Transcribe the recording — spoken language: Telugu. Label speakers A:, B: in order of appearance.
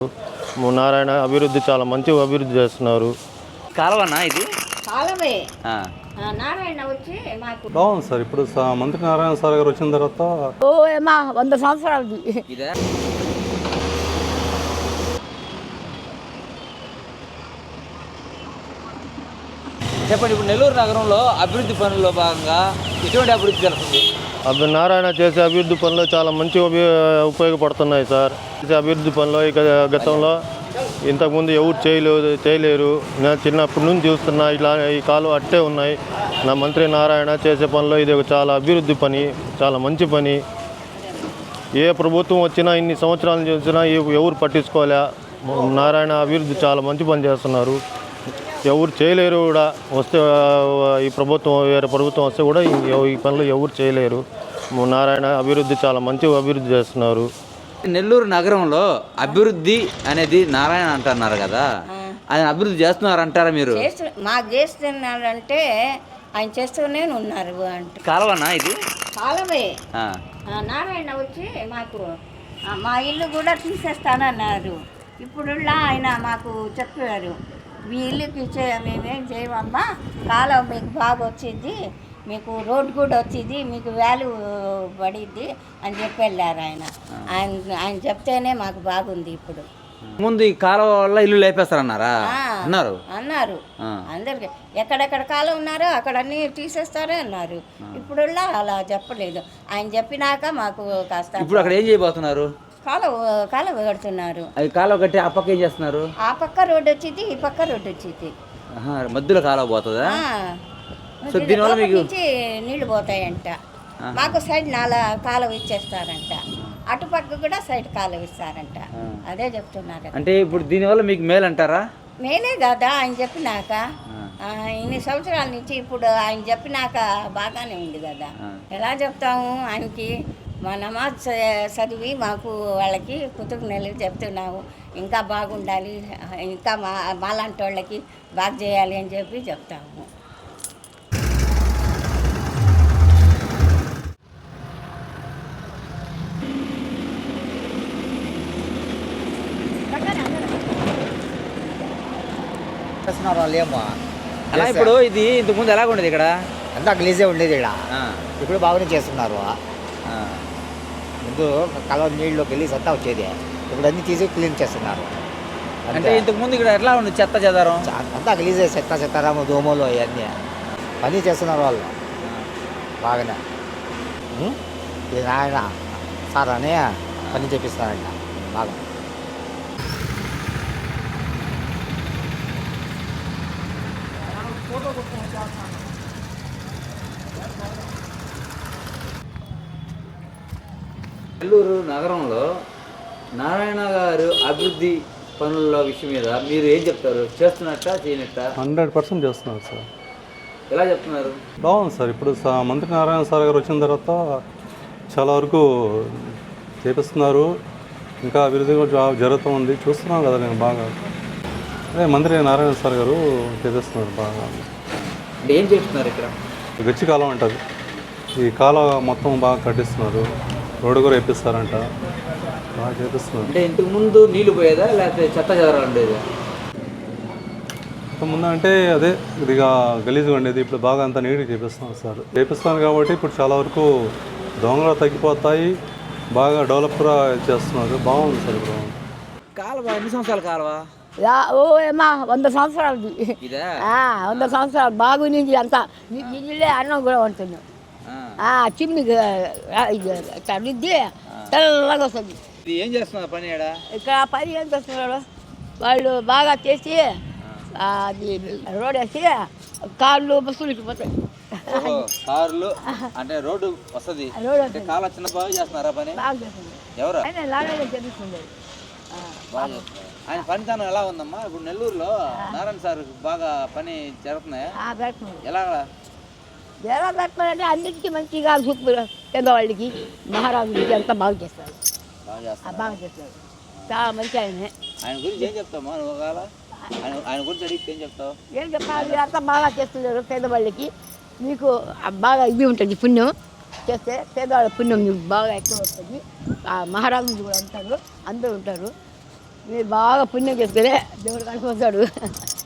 A: నారాయణ అభివృద్ధి చాలా మంచి అభివృద్ధి చేస్తున్నారు.
B: కాలవనా ఇది?
C: కాలమే. నారాయణ వచ్చి మాకు
D: బాగుంది సార్. ఇప్పుడు మంత్రి నారాయణ సార్ గారు వచ్చిన తర్వాత
C: 100 సంవత్సరాలు
B: ఇదే. చెప్పండి, ఇప్పుడు నెల్లూరు నగరంలో అభివృద్ధి పనుల్లో భాగంగా ఎటువంటి అభివృద్ధి జరుగుతుంది?
A: నారాయణ చేసే అభివృద్ధి పనులు చాలా మంచి ఉపయోగపడుతున్నాయి సార్. చేసే అభివృద్ధి పనులు ఇక గతంలో ఇంతకుముందు ఎవరు చేయలేరు. నేను చిన్నప్పటి నుంచి చూస్తున్నా, ఇలా ఈ కాలం అట్టే ఉన్నాయి. నా మంత్రి నారాయణ చేసే పనిలో ఇది చాలా అభివృద్ధి పని, చాలా మంచి పని. ఏ ప్రభుత్వం వచ్చినా ఇన్ని సంవత్సరాలు చూసినా ఎవరు పట్టించుకోలే. నారాయణ అభివృద్ధి చాలా మంచి పని చేస్తున్నారు. ఎవరు చేయలేరు కూడా. వస్తే ఈ ప్రభుత్వం వేరే ప్రభుత్వం వస్తే కూడా ఈ పనులు ఎవరు చేయలేరు. నారాయణ అభివృద్ధి చాలా మంచి అభివృద్ధి చేస్తున్నారు.
B: నెల్లూరు నగరంలో అభివృద్ధి అనేది నారాయణ అంటున్నారు కదా, ఆయన అభివృద్ధి చేస్తున్నారు అంటారా మీరు?
C: మాకు చేస్తున్నారంటే ఆయన చేస్తూనే ఉన్నారు. అంటే
B: కాలవనా ఇది?
C: కాలమే. నారాయణ వచ్చి మాకు మా ఇల్లు కూడా తీసేస్తానన్నారు. ఇప్పుడు ఆయన మాకు చెప్పారు, మీ ఇల్లుకి మేమేం చేయమమ్మా, కాలం మీకు బాగా వచ్చింది, మీకు రోడ్డు కూడా వచ్చింది, మీకు వాల్యూ పడిద్ది అని చెప్పి వెళ్ళారు ఆయన. ఆయన చెప్తేనే మాకు బాగుంది. ఇప్పుడు
B: ముందు ఈ కాలువ వల్ల ఇల్లు లేపేస్తారన్నారా? అన్నారు
C: అందరికి ఎక్కడెక్కడ కాలం ఉన్నారో అక్కడ అన్నీ తీసేస్తారే అన్నారు. ఇప్పుడు అలా చెప్పలేదు. ఆయన చెప్పినాక మాకు కాస్త.
B: ఇప్పుడు అక్కడ ఏం చేయబోతున్నారు?
C: కాలువ కడుతున్నారు.
B: అది కాలువ కట్టి ఆ పక్క ఏం చేస్తున్నారు?
C: ఆ పక్క రోడ్డు వచ్చింది, ఈ పక్క రోడ్డు వచ్చింది.
B: మధ్యలో కాలువ పోతుందా? సో దీనివల్ల మీకు
C: నీళ్లు పోతాయంట. మాకు సైడ్ కాలువ ఇచ్చేస్తారంట, అటుపక్క కూడా సైడ్ కాలువ ఇస్తారంట. అదే చెప్తున్నారు.
B: అంటే ఇప్పుడు దీనివల్ల మీకు మేలు అంటారా?
C: మేలే కదా ఆయన చెప్పినాక. ఇన్ని సంవత్సరాల నుంచి ఇప్పుడు ఆయన చెప్పినాక బాగానే ఉంది కదా. ఎలా చెప్తాము ఆయనకి? మా నమాజ్ చదివి మాకు వాళ్ళకి కృతజ్ఞతలు చెప్తున్నాము. ఇంకా బాగుండాలి, ఇంకా మాలాంటి వాళ్ళకి బాగా చేయాలి అని చెప్పి చెప్తాము.
B: అలా ఇప్పుడు ఇది ఇంతకుముందు ఎలాగ ఉండేది? ఇక్కడ
E: అంతా గలీజే ఉండేది. ఇక్కడ ఇప్పుడు బాగానే చేస్తున్నారు. ముందు కాలువ నీళ్ళు గలీజ్ అంతా వచ్చేది, ఇప్పుడు అన్నీ తీసి క్లీన్ చేస్తున్నారు.
B: అంటే ఇంతకుముందు ఇక్కడ ఎట్లా ఉంది? చెత్త చెదారం
E: అంతా గలీజే, చెత్తారాము, దోమలు అవన్నీ పని చేస్తున్నారు వాళ్ళు బాగానే. ఇది నాయన సార్ అని పని చేపిస్తారంట బాగా.
B: నెల్లూరు నగరంలో నారాయణ గారు అభివృద్ధి పనుల విషయం మీద మీరు ఏం చెప్తారు? చేస్తున్నట్టా చేయనట్టా?
D: 100% చేస్తున్నారు సార్.
B: ఎలా చెప్తున్నారు?
D: బాగుంది సార్. ఇప్పుడు మంత్రి నారాయణ సార్ గారు వచ్చిన తర్వాత చాలా వరకు చేపిస్తున్నారు. ఇంకా అభివృద్ధి కూడా జరుగుతూ ఉంది. చూస్తున్నాను కదా నేను బాగా. అదే మంత్రి నారాయణ సార్ గారు చేపిస్తున్నారు బాగా.
B: అంటే ఏం చేస్తున్నారు? ఇక్కడ
D: గచ్చి కాలం అంటారు. ఈ కాలం మొత్తం బాగా కట్టిస్తున్నారు. రోడ్డు కూడా వేపిస్తారంట, బాగా చేపిస్తున్నారు.
B: అంటే ఇంతకు ముందు నీళ్లు పోయేదా లేకపోతే చెత్త చెదరాలు ఉండేదా?
D: ముందు అంటే అదే ఇదిగా గలీజ్గా ఉండేది. ఇప్పుడు బాగా అంతా నీట్గా చేపిస్తున్నారు కాబట్టి ఇప్పుడు చాలా వరకు దొంగలు తగ్గిపోతాయి. బాగా డెవలప్ కూడా చేస్తున్నారు. బాగుంది సార్. ఇప్పుడు
B: కాలువ ఎన్ని సంవత్సరాల కాలువ?
C: 100 సంవత్సరాలు. 100 సంవత్సరాలు బాగుంది. అంతా నీళ్ళే అన్నం కూడా ఉంటున్నాం. చిమ్మి రుద్ది తెల్లగా వస్తుంది.
B: ఏం చేస్తున్నారు పని?
C: ఇక్కడ పని ఏం చేస్తున్నారు వాళ్ళు? బాగా చేసి అది రోడ్ వేసి కార్లు బస్సులు పోతాయి.
B: కార్లు అంటే రోడ్డు వస్తుంది. కాలువ చిన్న బాగా చేస్తున్నారా పని?
C: బాగా చేస్తుంది.
B: ఎవరు?
C: లాగా చేపిస్తుంది.
B: ఆయన పనితనం ఎలా ఉందమ్మా? ఇప్పుడు నెల్లూరులో నారాయణ సార్ బాగా పని జరుగుతున్నాయా?
C: ఎలా పెట్టాలంటే అన్నిటికీ మంచిగా సూపర్. పెద్దవాళ్ళకి మహారాజులకి అంతా బాగా చేస్తారు. బాగా చేస్తారు. చాలా మంచి ఆయనే.
B: ఆయన గురించి ఏం చెప్తామా? ఆయన గురించి అడిగితే ఏం చెప్తావు?
C: ఏం చెప్పాలి? అంతా బాగా చేస్తున్నారు. పేదవాళ్ళకి మీకు బాగా ఇది ఉంటుంది, పుణ్యం చేస్తే పేదవాళ్ళ పుణ్యం మీకు బాగా ఎక్కువ వస్తుంది. మహారాజులు కూడా ఉంటారు, అందరూ ఉంటారు.
F: మీరు బాగా పుణ్యం చేసుకునే దేవుడు కనిపిస్తాడు.